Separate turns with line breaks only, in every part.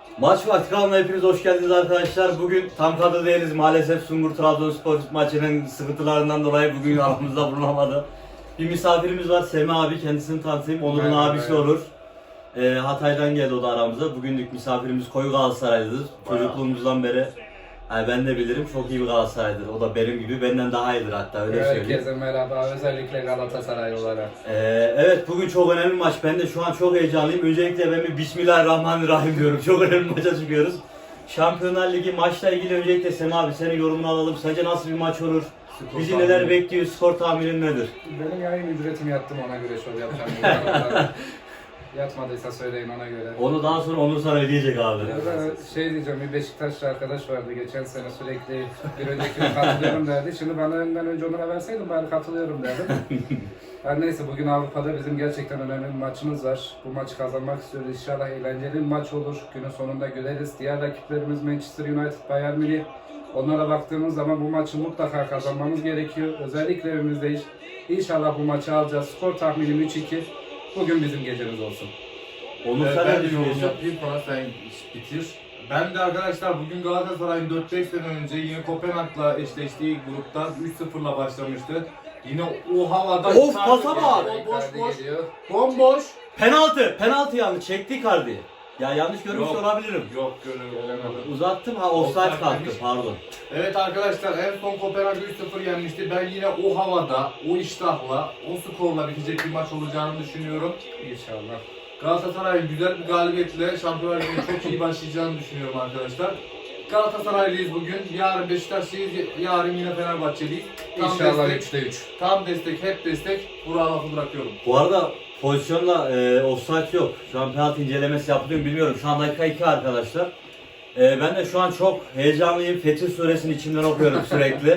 Maç vakti kanalına hepiniz hoş geldiniz arkadaşlar. Bugün tam kadro değiliz maalesef. Sungur Trabzonspor maçının sıkıntılarından dolayı bugün aramızda bulunamadı. Bir misafirimiz var, Semih abi, kendisini tanıtayım. Onur'un abisi olur. Hatay'dan geldi o da aramıza. Bugünlük misafirimiz koyu Galatasaraylıdır. Çocukluğumuzdan beri ben de bilirim, çok iyi bir Galatasaraylıdır. O da benim gibi, benden daha iyidir hatta, öyle söyleyeyim.
Herkese merhaba, özellikle Galatasaray olarak.
Evet, bugün çok önemli bir maç. Ben de şu an çok heyecanlıyım. Öncelikle ben bir Bismillahirrahmanirrahim diyorum. Çok önemli bir maça çıkıyoruz. Şampiyonlar Ligi maçla ilgili öncelikle Semih abi senin yorumunu alalım. Sence nasıl bir maç olur? Bizi neler bekliyor? Skor tahminin nedir?
Benim yayın ücretimi yattım, ona göre şov yapacağım. Yatmadıysa söyleyin ona göre.
Onu daha sonra Onur sana ödeyecek abi.
Şey diyeceğim, bir Beşiktaşlı arkadaş vardı geçen sene, sürekli bir önceki katılıyorum derdi. Şimdi bana önce Onur'a verseydim bari katılıyorum derdim. Her neyse, bugün Avrupa'da bizim gerçekten önemli bir maçımız var. Bu maçı kazanmak istiyoruz. İnşallah eğlenceli bir maç olur. Günün sonunda göreriz. Diğer rakiplerimiz Manchester United, Bayern Münih. Onlara baktığımız zaman bu maçı mutlaka kazanmamız gerekiyor. Özellikle evimizdeyiz. İnşallah bu maçı alacağız. Skor tahminim 3-2. Bugün bizim gecemiz olsun.
Onur sen ne düşünüyorsun?
Yapayım falan, sen bitir. Ben de arkadaşlar bugün Galatasaray'ın 4-5 sene önce yine Kopenhag'la eşleştiği gruptan 3-0'la başlamıştı. Yine o havada...
Of, pasa bak!
Bomboş.
Penaltı yanlış çekti Icardi. Ya yanlış görmüş
Yok.
olabilirim.
Yok, görüyorum.
Uzattım, offside kalktı, pardon.
Evet arkadaşlar, en son Kopenhag 3-0 yenmişti. Ben yine o havada, o iştahla, o skorla bitecek bir maç olacağını düşünüyorum.
İnşallah.
Galatasaray'ın güzel bir galibiyetle Şampiyonlar Ligi'ne çok iyi başlayacağını düşünüyorum arkadaşlar. Galatasaraylıyız bugün. Yarın Beşiktaşlıyız, yarın yine Fenerbahçeliyiz.
İnşallah
destek,
3'te 3.
tam destek, hep destek. Burak'a lafı bırakıyorum.
Bu arada pozisyonda offside yok. Şu an penaltı incelemesi yapılıyor mu bilmiyorum. Şu an dakika 2 arkadaşlar. Ben de şu an çok heyecanlıyım. Fetih Suresini içimden okuyorum sürekli.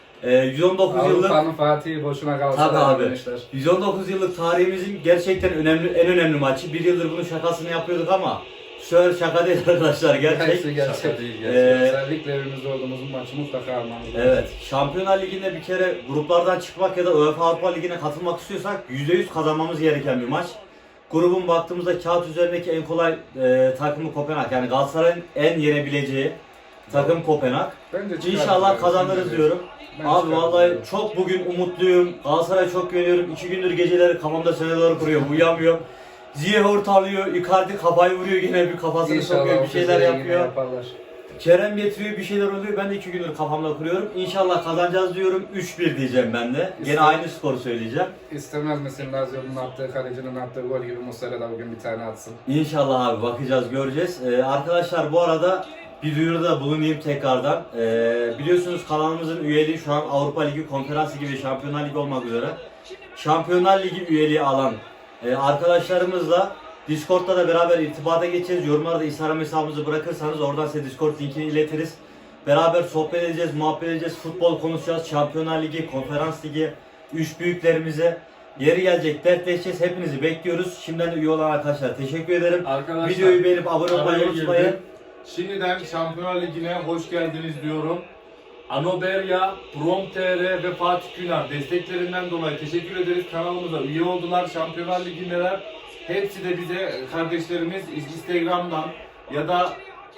119 yıllık
Avrupa'nın Fatih'i boşuna
Tabii
Galatasaray
abi.
demişler.
119 yıllık tarihimizin gerçekten en önemli maçı. Bir yıldır bunun şakasını yapıyorduk ama bu sefer şaka değil arkadaşlar, gerçek.
Gerçek.
Şaka değil,
Özellikle evimizde olduğumuz maçı mutlaka almamız lazım.
Evet, Şampiyonlar Ligi'nde bir kere gruplardan çıkmak ya da UEFA Avrupa Ligi'ne katılmak istiyorsak %100 kazanmamız gereken bir maç. Grubun baktığımızda kağıt üzerindeki en kolay takımı Kopenhag. Yani Galatasaray'ın en yenebileceği takım Kopenhag.
Bence çıkarız
İnşallah
yani,
kazanırız
bence.
diyorum.
Ben
Abi
çıkarım
vallahi
diyorum.
çok bugün umutluyum. Galatasaray'a çok güveniyorum. 2 gündür geceleri kafamda senaryolar kuruyorum. Uyuyamıyorum. Ziyech ortalıyor. Icardi kafayı vuruyor, yine bir kafasını sokuyor, bir şeyler yapıyor.
Yaparlar.
Kerem getiriyor, bir şeyler oluyor. Ben de 2 gündür kafamda kuruyorum. İnşallah kazanacağız diyorum. 3-1 diyeceğim ben de. Gene aynı skoru söyleyeceğim.
İstemez misin Lazio'nun attığı, kalecinin attığı gol gibi Muslera da bugün bir tane atsın?
İnşallah abi, bakacağız, göreceğiz. Arkadaşlar bu arada bir duyuruda bulunayım tekrardan. Biliyorsunuz kanalımızın üyeliği şu an Avrupa Ligi, Konferans Ligi ve Şampiyonlar Ligi olmak üzere. Şampiyonlar Ligi üyeliği alan arkadaşlarımızla Discord'da da beraber irtibata geçeceğiz. Yorumlarda Instagram hesabımızı bırakırsanız oradan size Discord linkini iletiriz. Beraber sohbet edeceğiz, muhabbet edeceğiz, futbol konuşacağız. Şampiyonlar Ligi, Konferans Ligi, üç büyüklerimize yeri gelecek dertleşeceğiz. Hepinizi bekliyoruz. Şimdiden de üye olan arkadaşlar teşekkür ederim.
Arkadaşlar,
Videoyu beğenip abone olmayı
araya
unutmayın.
girdim. Şimdiden Şampiyonlar Ligi'ne hoş geldiniz diyorum. Anoberya, Prom.tr ve Fatih Güner desteklerinden dolayı teşekkür ederiz. Kanalımıza üye oldular. Şampiyonlar Ligi'ndeler. Hepsi de bize kardeşlerimiz Instagram'dan ya da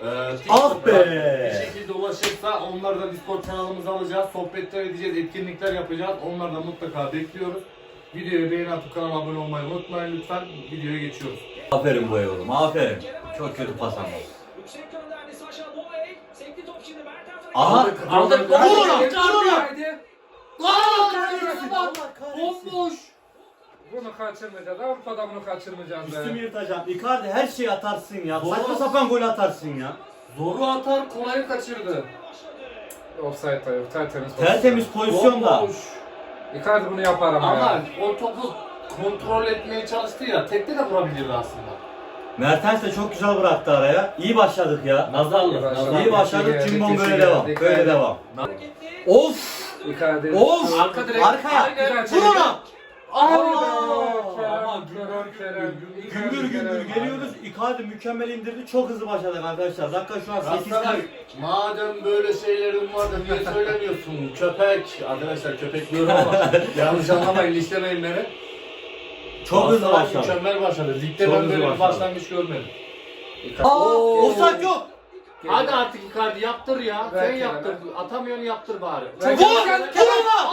Ah be!
bir şekilde ulaşırsa onları da Discord kanalımıza alacağız. Sohbetler edeceğiz, etkinlikler yapacağız. Onları da mutlaka bekliyoruz. Videoyu beğeni atıp kanala abone olmayı unutmayın lütfen. Videoya geçiyoruz.
Aferin bu oğlum, aferin. Çok kötü pas ama. Aha!
Aldık.
Vur ona!
Bomboş.
Bunu kaçırmayacağız. Avrupa'da bunu kaçırmayacağız
Üstümü
be.
yırtacağım. Icardi her şeyi atarsın ya.
Doğru.
Saçma sapan gol atarsın ya.
Zoru atar, kolayı kaçırdı.
Offside da yok. Tertemiz.
Tertemiz pozisyonda.
Bomboş.
Icardi bunu yapar ama
Ama
ya.
o topu kontrol etmeye çalıştı ya. Tekte de vurabilirdi aslında.
Mertens de çok güzel bıraktı araya. İyi başladık ya.
Nazarlı.
İyi başladık. Cimbom böyle devam. Böyle devam. Of!
Icardi.
Of!
Arka direkt.
Arkaya!
Aynen.
Vur ona!
Abi
Aa!
Ama
Kerem.
Gümbür gümbür geliyoruz. Icardi mükemmel indirdi. Çok hızlı başladık arkadaşlar. Dakika şu an 8.
Galatasaray, madem böyle şeylerin var da niye söylemiyorsun? Köpek. Arkadaşlar köpek diyorum ama yanlış anlamayın, listemeyin beni.
Çok hızlı
Galatasaray
başladı.
mükemmel başladı. Ligde
Çok
ben
hızlı
böyle bir
başladı.
başlangıç görmedim.
Offside yok.
Hadi artık Icardi yaptır ya.
Ver
Sen
Kerem'e.
yaptır. Atamıyorsun yaptır bari.
Ver
Vur!
Kerem.
Kerem'e!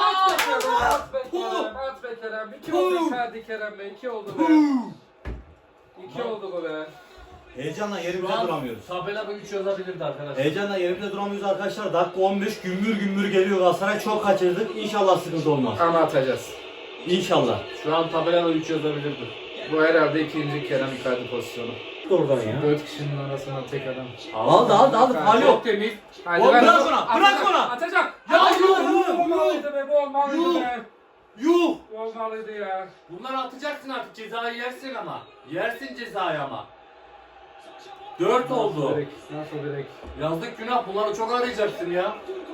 At be Kerem. 2 oldu Icardi Kerem'e. 2 oldu be. 2 oldu bu be.
Heyecanla
Şu
yerimizde
an
duramıyoruz.
tabela 3 yazabilirdi arkadaşlar.
Heyecanla yerimizde duramıyoruz arkadaşlar. Dakika 15 gümbür gümbür geliyor Galatasaray. Çok kaçırdık. İnşallah sıkıntı olmaz.
Ama atacağız.
İnşallah.
Şu an tabelada 3 yazabilirdi.
Bu herhalde ikinci Kerem Icardi pozisyonu.
Oradan ya.
4 kişinin arasından tek adam.
Aldı. Hal yok.
Çok temiz.
Hadi
Oğlum
ver
bırak
onu.
ona,
Atacak,
bırak ona.
Atacak.
Ya
Bu olmalıydı be, bu olmalıydı be.
Yuh.
Bu olmalıydı ya.
Bunları atacaksın artık, cezayı yersin ama. Yersin cezayı ama. 4 oldu.
Direkt, nasıl direkt?
Yazdık günah, bunları çok arayacaksın ya.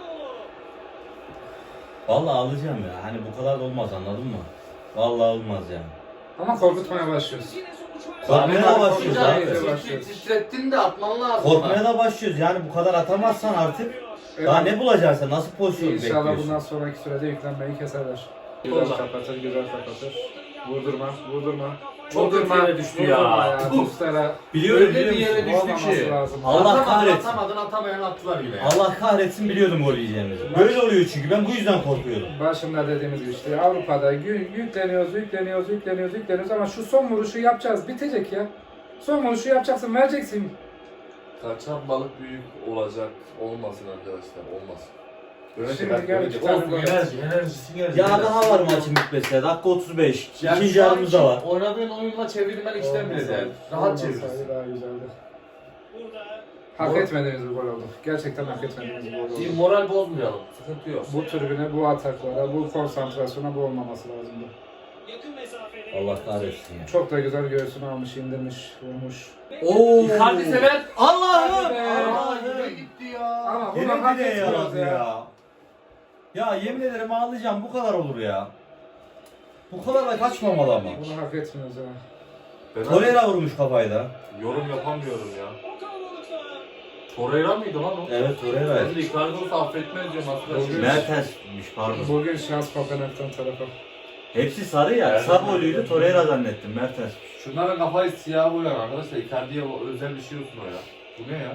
Vallahi alacağım ya. Hani bu kadar da olmaz anladın mı? Vallahi olmaz yani.
Ama korkutmaya başlıyoruz.
Korkmaya da başlıyoruz
Korkacağız.
abi.
Başlıyoruz.
Titrettin de atman lazım.
Korkmaya da başlıyoruz. Yani bu kadar atamazsan artık daha ne bulacaksın sen? Nasıl pozisyon
İnşallah
bekliyorsun?
bundan sonraki sürede yüklenmeyi keserler. Güzel
Allah.
kapatır, güzel kapatır. Vurdurma.
Çok kötü yere düştü ya.
Muslera.
Biliyorum
Öyle bir
biliyorum.
yere düştü
Olmaması
ki.
lazım.
Allah kahretsin.
Atamadın, atamayan attılar yine ya.
Allah kahretsin biliyordum gol yiyeceğimizi. Böyle oluyor çünkü ben bu yüzden korkuyorum.
Başında dediğimiz gibi işte Avrupa'da yükleniyoruz ama şu son vuruşu yapacağız. Bitecek ya. Son vuruşu yapacaksın, vereceksin.
Kaçan balık büyük olacak. Olmasın arkadaşlar, olmasın.
Şimdi gel iki tane
Olsun,
gol.
enerjisi geldi.
Ya daha var maçın bitmesine. Dakika 35.
Yani
İkinci
şu an
yarımız da var.
Oynadığın oyunla çevirmen işten bile değil. Rahat
Olmasaydı
çevirirsin.
daha güzeldi. Hak etmediğimiz bir gol oldu. Gerçekten hak etmediğimiz bir gol oldu.
Bir moral bozmayalım. Sıkıntı yok.
Bu tribüne, bu ataklara, bu konsantrasyona bu olmaması lazımdı.
Allah kahretsin ya.
Çok da güzel göğsünü almış, indirmiş, vurmuş.
Oo.
Icardi sever.
Allah'ım.
Hadi be.
Aa, yine
Allah'ım.
gitti ya.
Ama bunu
Yine
hak
bile
etmiyoruz
yaradı
ya.
ya. Ya yemin ederim ağlayacağım. Bu kadar olur ya. Bu kadar da kaçmamalı ama.
Bunu hak etmiyoruz ya.
Ben
Torreira vurmuş kafayı da.
yorum yapamıyorum ya.
Torreira mıydı lan o?
Evet Torreira.
Ben de Icardi olsa affetmez diyorum arkadaşlar.
Mertens'miş pardon.
Bugün şans Kopenhag'dan tarafa.
Hepsi sarı ya. Kısa boyluydu. Torreira zannettim. Mertens.
Şunların kafayı siyah boyayan arkadaşlar. Icardi'ye özel bir şey olsun o ya. Bu ne ya?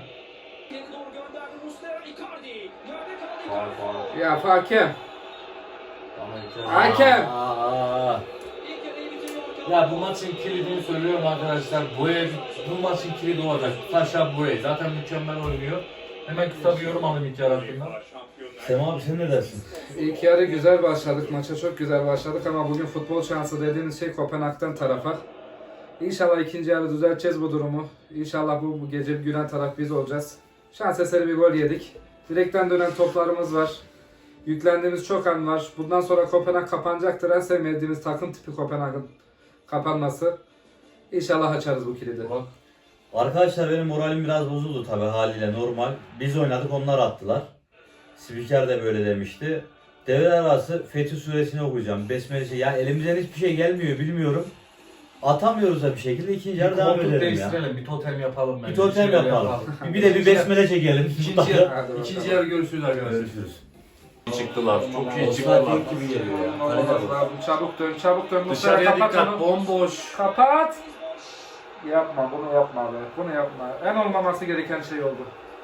Faul faul.
Ya hakem.
Ama Icardi.
Hakem.
Aa.
Ya bu maçın kilidini söylüyorum arkadaşlar. Bu maçın kilidi olacak. Saşa Boye zaten mükemmel oynuyor. Hemen kısa bir yorum alayım ilk yarı hakkında.
Sema abi sen ne dersin?
İlk yarı güzel başladık. Maça çok güzel başladık ama bugün futbol şansı dediğimiz şey Kopenhag'dan tarafa. İnşallah ikinci yarı düzelteceğiz bu durumu. İnşallah bu gece gülen taraf biz olacağız. Şans eseri bir gol yedik. Direkten dönen toplarımız var. Yüklendiğimiz çok an var. Bundan sonra Kopenhag kapanacaktır. En sevmediğimiz takım tipi Kopenhag'ın kapanması. İnşallah açarız bu kilidi.
Bak.
Arkadaşlar benim moralim biraz bozuldu tabi haliyle normal. Biz oynadık onlar attılar. Spiker de böyle demişti. Devre arası Fetih Suresini okuyacağım. Besmele ya elimizden hiçbir şey gelmiyor bilmiyorum. Atamıyoruz da bir şekilde ikinci yarı devam
koltuk
edelim ya.
değiştirelim, bir totem yapalım bence.
Bir totem
şeyler
yapalım. Bir de bir besmele çekelim.
İkinci yarı,
Hadi bakalım.
ikinci yarı görüşürüz arkadaşlar.
Görüşürüz.
Çıktılar. Çok iyi
Offside
çıktılar.
yok gibi geliyor ya. Kalede
Olmaz
bu.
lazım. Çabuk dön, çabuk dön.
Dışarıya
Kapat
dikkat,
onu.
bomboş.
Kapat. Yapma, bunu yapma be. Bunu yapma. En olmaması gereken şey oldu.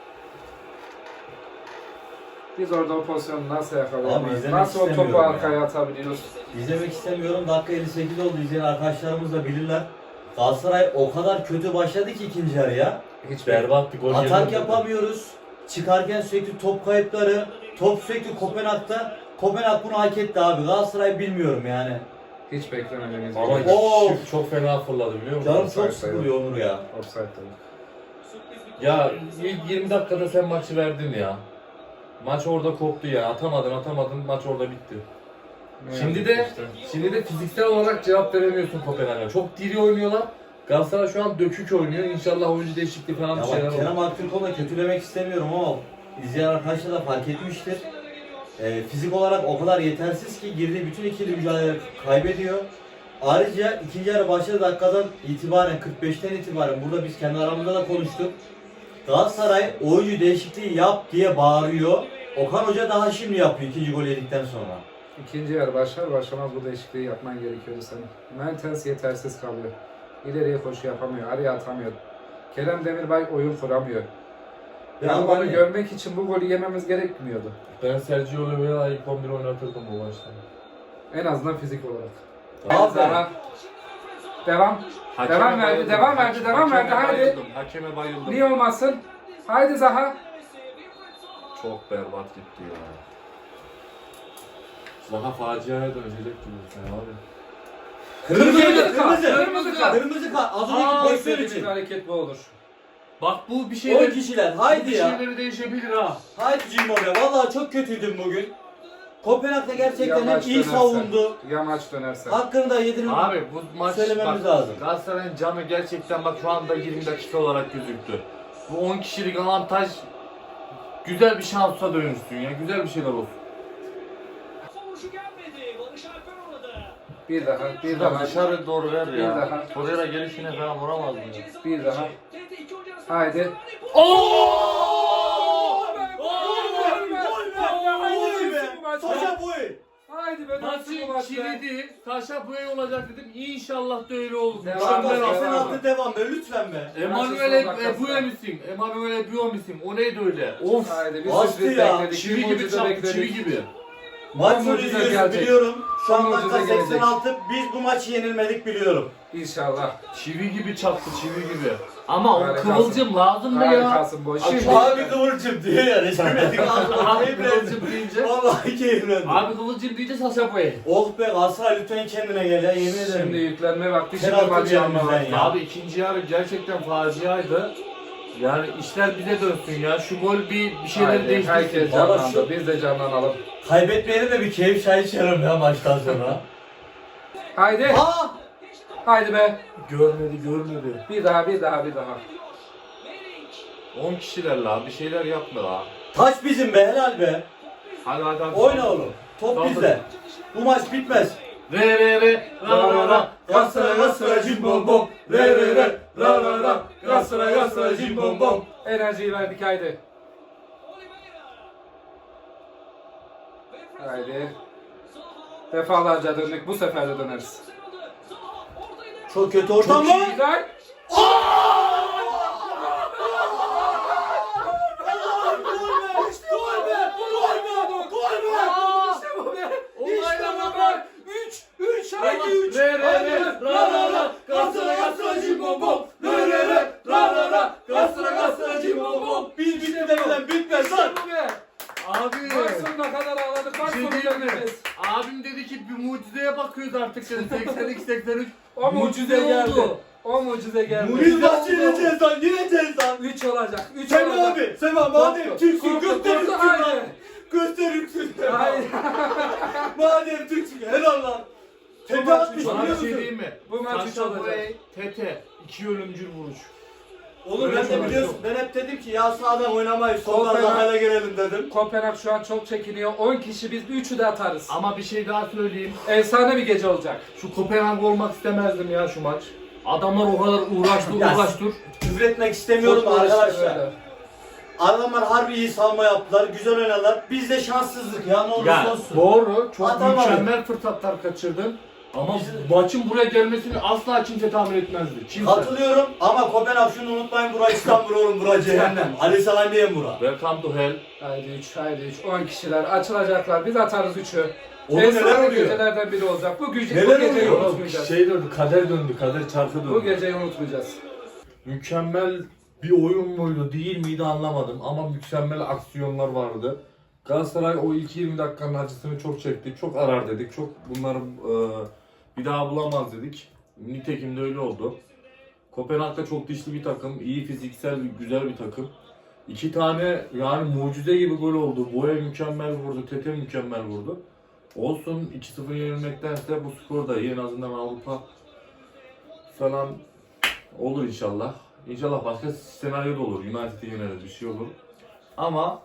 Biz orada o pozisyonu nasıl
Abi
yakalayamayız?
izlemek
Nasıl o topu
istemiyorum
arkaya
ya.
atabiliyoruz?
İzlemek istemiyorum. Dakika 58 oldu. İzleyen arkadaşlarımız da bilirler. Galatasaray o kadar kötü başladı ki ikinci yarıya.
Hiç
Berbat bir gol.
Atak
yedim.
yapamıyoruz. Çıkarken sürekli top kayıpları. Top sürekli Kopenhag'da. Kopenhag bunu hak etti abi. Galatasaray bilmiyorum yani.
Hiç beklemediğimiz
Ama
bir
Oo.
çok fena fırladı biliyor musun?
Canım çok sıkılıyor Onur ya.
offside tabii.
Ya ilk 20 dakikada sen maçı verdin ya. Maç orada koptu ya. Atamadın maç orada bitti.
Ne
Şimdi
yazık
de
işte.
şimdi de fiziksel olarak cevap veremiyorsun Kopenhag'a. Çok diri oynuyorlar. Galatasaray şu an dökük oynuyor. İnşallah oyuncu değişikliği falan
Ya
bir şeyler
bak
olur.
Kerem Aktürkoğlu'nu da kötülemek istemiyorum ama izleyen arkadaşlar da fark etmiştir. Fizik olarak o kadar yetersiz ki girdiği bütün ikili mücadeleleri kaybediyor. Ayrıca ikinci yarı başladığı dakikadan itibaren 45'ten itibaren burada biz kendi aramızda da konuştuk. Galatasaray oyuncu değişikliği yap diye bağırıyor. Okan Hoca daha şimdi yapıyor ikinci gol yedikten sonra.
İkinci yarı başlar başlamaz bu değişikliği yapman gerekiyordu senin. Mertens yetersiz kalıyor. İleriye koşu yapamıyor, araya atamıyor. Kerem Demirbay oyun kuramıyor.
Ya
Yani
ama
onu
ne?
görmek için bu golü yememiz gerekmiyordu.
Ben Sergio Oliveira'yı ilk 11 oynatırdım bu maçta.
En azından fizik olarak.
Abi.
Zaha. Devam. Devam verdi, devam verdi, devam verdi. Haydi.
Hakeme bayıldım.
Niye olmasın? Haydi Zaha.
Çok berbat gitti ya. Zaha faciaya dönecek gibi sen abi.
Kırmızı
kart,
kırmızı.
kırmızı kart.
Kırmızı kart. Az önceki
Aa,
pozisyon
istediğimiz
için.
hareket bu olur.
Bak bu bir
10
şeyler,
kişiler. Haydi ya.
şeyleri değişebilir ha.
Haydi Cimbom'ya. Vallahi çok kötüydüm bugün. Kopenhag'da gerçekten hem
Yamaç
iyi
dönerse.
savundu.
Yamaç dönerse.
Hakkını da yedirmek.
Abi bu maç
Söylememiz
bak,
lazım.
Galatasaray'ın canı gerçekten bak şu anda 20 dakika olarak gözüktü. Bu 10 kişilik avantaj güzel bir şansa dönüşsün ya. Güzel bir şeyler olsun.
Bir daha, bir
Şuradan
daha.
dışarı doğru ver
Bir
ya.
daha.
Torreira gelişine falan vuramaz mı ya?
Bir daha. Haydi.
Saşa Boy.
Haydi be dönsün bu
Maçın
maç be.
kilidi Saşa Boey olacak dedim. İnşallah da öyle olur.
Devam,
Kanka
devam.
sen altı devam be lütfen be.
Emanuel Ebuye misin? Emanuel Ebuye misin? O neydi öyle? Of!
Haydi bir
Bastı
sürpriz
ya.
bekledik.
Çivi
bir
gibi
mucize
çarptı,
bekledik.
çivi gibi.
Maç sonu
mucize
izliyoruz
gelecek.
biliyorum. Şu an
Bu
dakika
mucize gelecek.
86. Biz bu maçı yenilmedik biliyorum.
İnşallah.
Çivi gibi çaktı, çivi gibi. Ama o
Harikasın.
kıvılcım lazımdı ya.
Harikasın boy.
Abi,
Şimdi
Abi kıvırcım diyor ya. Reşmedik ağzına.
Abi kıvılcım deyince.
Vallahi keyiflendim.
Abi kıvılcım deyince Saşa Boey.
Oh be Galatasaray lütfen kendine gel ya yemin ederim.
Şimdi yüklenme vakti. Şimdi
Penaltı
maçı
diyelim
alma
bizden
vakti.
ya.
Abi ikinci yarı gerçekten faciaydı. Yani işler bize dönsün ya. Şu gol bir şeyler
Haydi,
değiştirsin.
herkes
Valla
canlandı.
şu-
Biz de canlanalım.
Kaybetmeyene de bir keyif çay içerim ya maçtan sonra.
Haydi.
Aa!
Haydi be.
Görmedi.
Bir daha, bir daha, bir daha.
10 kişiler la bir şeyler yapma la.
Taç bizim be helal be.
Hadi.
Oyna oğlum. Top
Tamam.
bizde. Bu maç bitmez.
Re ra.
Galatasaray cimbom bom. Re ra. Galatasaray cimbom bom.
Enerjiyi verdik haydi. Haydi. Defalarca döndük. Bu sefer de döneriz.
Çok kötü ortam
Çok
var.
güzel. İşte bu be. İşte bu be. 3 haydi 3.
Ra. Galatasaray cimbom bom. Ra. Galatasaray cimbom bom.
Biz bitmeden bitmez lan.
Bu be.
Abi.
Maç sonuna kadar ağladık. Maç
Bir şey
sonunda
diyeyim mi?
gideceğiz.
Abim dedi ki bir mucizeye bakıyoruz artık dedi. 82-83.
O mucize geldi.
oldu.
O mucize geldi.
Biz maçı yeneceğiz lan. Yeneceğiz lan.
3 olacak. 3
Sema
olacak.
abi. Sema madem Türksün göster Türksün lan.
Haydi.
Göster Türksün.
Haydi.
Madem Türksün helal lan. Tepe
maç
atmış
üç
Sana
biliyor
bir şey
musun?
diyeyim mi?
Bu maç üç
Saşa
olacak.
Boey, Tete. 2 ölümcül vuruş.
Oğlum ben de biliyorsun ben hep dedim ki ya sağdan oynamayız soldan
Sol
daha gelelim dedim.
Kopenhag şu an çok çekiniyor. 10 kişi biz 3'ü de atarız.
Ama bir şey daha söyleyeyim.
Efsane bir gece olacak.
Şu Kopenhag olmak istemezdim ya şu maç. Adamlar o kadar uğraştı
Ya,
uğraştır.
Küfür etmek istemiyorum
Futbol işte
arkadaşlar.
böyle.
Adamlar harbi iyi salma yaptılar, güzel oynadılar. Bizde şanssızlık ya ne olursa
Ya
olsun.
doğru çok
Atamadı.
mükemmel fırsatlar kaçırdın. Ama maçın buraya gelmesini asla kimse tahmin etmezdi. Kimse.
Katılıyorum ama Kopenhag şunu unutmayın bura İstanbul oğlum bura cehennem. Ali Salam diyen bura.
Welcome to hell.
Haydi 3, haydi 3. 10 kişiler açılacaklar. Biz atarız 3'ü.
Oğlum neler
Efsane
oluyor?
gecelerden biri olacak. Bu
Neler
geceyi
oluyor?
unutmayacağız.
döndü, kader döndü, kader çarkı döndü.
Bu geceyi unutmayacağız.
Mükemmel bir oyun muydu değil miydi anlamadım ama mükemmel aksiyonlar vardı. Galatasaray o ilk 20 dakikanın acısını çok çekti. Çok arar dedik. Çok bunları bir daha bulamaz dedik. Nitekim de öyle oldu. Kopenhag da çok dişli bir takım. İyi fiziksel, güzel bir takım. 2 tane yani mucize gibi gol oldu. Boya mükemmel vurdu. Tete mükemmel vurdu. Olsun 2-0 yenilmektense bu skor da iyi. En azından Avrupa falan olur inşallah. İnşallah başka senaryo da olur. United'i yeneriz bir şey olur. Ama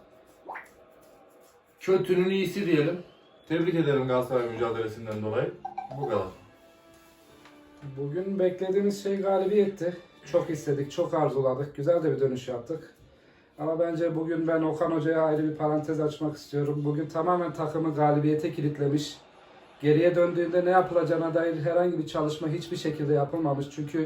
kötünün iyisi diyelim. Tebrik ederim Galatasaray mücadelesinden dolayı. Bu kadar.
Bugün beklediğimiz şey galibiyetti. Çok istedik, çok arzuladık. Güzel de bir dönüş yaptık. Ama bence bugün ben Okan Hoca'ya ayrı bir parantez açmak istiyorum. Bugün tamamen takımı galibiyete kilitlemiş. Geriye döndüğünde ne yapılacağına dair herhangi bir çalışma hiçbir şekilde yapılmamış. Çünkü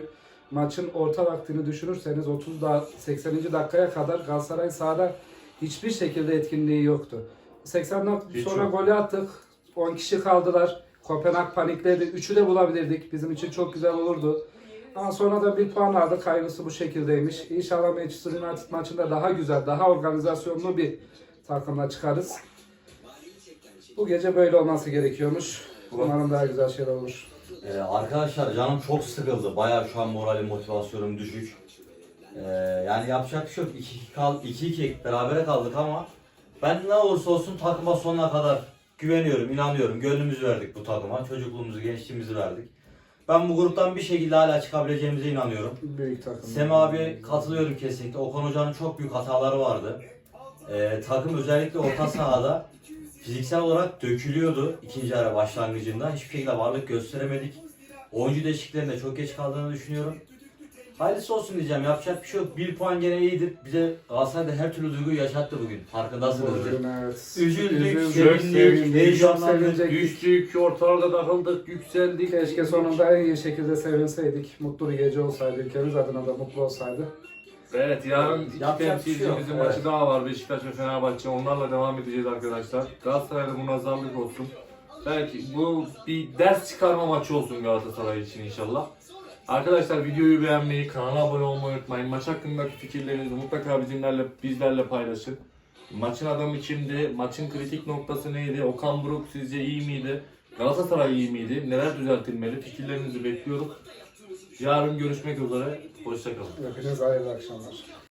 maçın orta vaktini düşünürseniz 80. dakikaya kadar Galatasaray sahada hiçbir şekilde etkinliği yoktu. 80 dakika
Hiç
sonra
yok.
golü attık. 10 kişi kaldılar. Kopenhag panikledi. 3'ü de bulabilirdik. Bizim için çok güzel olurdu. Ama sonra da bir puan aldık. Hayırlısı bu şekildeymiş. İnşallah Manchester United maçında daha güzel, daha organizasyonlu bir takımla çıkarız. Bu gece böyle olması gerekiyormuş. Umarım daha güzel şeyler olur.
Arkadaşlar canım çok sıkıldı. Bayağı şu an moralim, motivasyonum düşük. Yani yapacak bir şey yok. 2-2 berabere kaldık ama ben ne olursa olsun takıma sonuna kadar güveniyorum, inanıyorum. Gönlümüzü verdik bu takıma. Çocukluğumuzu, gençliğimizi verdik. Ben bu gruptan bir şekilde hala çıkabileceğimize inanıyorum.
Büyük takım.
Semih abi katılıyorum kesinlikle. Okan Hoca'nın çok büyük hataları vardı. Takım özellikle orta sahada fiziksel olarak dökülüyordu ikinci yarı başlangıcında. Hiçbir şekilde varlık gösteremedik. Oyuncu değişikliklerinde çok geç kaldığını düşünüyorum. Hayırlısı olsun diyeceğim. Yapacak bir şey yok. 1 puan gene iyidir. Bize Galatasaray'da her türlü duyguyu yaşattı bugün. Farkındasınızdır.
Bugün evet.
Üzüldük,
Üzüldük,
sevindik, heyecanlandık.
sevinecektik.
Düştük, ortalarda takıldık, yükseldik.
Keşke sonunda en iyi şekilde sevinseydik. Mutlu bir gece olsaydı. Ülkemiz adına da mutlu olsaydı.
Evet, yarın iki
Yapacak bir şey yok.
temsilcimizin
Evet.
maçı daha var. Beşiktaş ve Fenerbahçe. Onlarla devam edeceğiz arkadaşlar. Galatasaray'da munazarlık olsun. Belki bu bir ders çıkarma maçı olsun Galatasaray için inşallah. Arkadaşlar videoyu beğenmeyi, kanala abone olmayı unutmayın. Maç hakkındaki fikirlerinizi mutlaka bizlerle paylaşın. Maçın adamı kimdi? Maçın kritik noktası neydi? Okan Buruk sizce iyi miydi? Galatasaray iyi miydi? Neler düzeltilmeli? Fikirlerinizi bekliyoruz. Yarın görüşmek üzere. Hoşçakalın.
Hepiniz hayırlı akşamlar.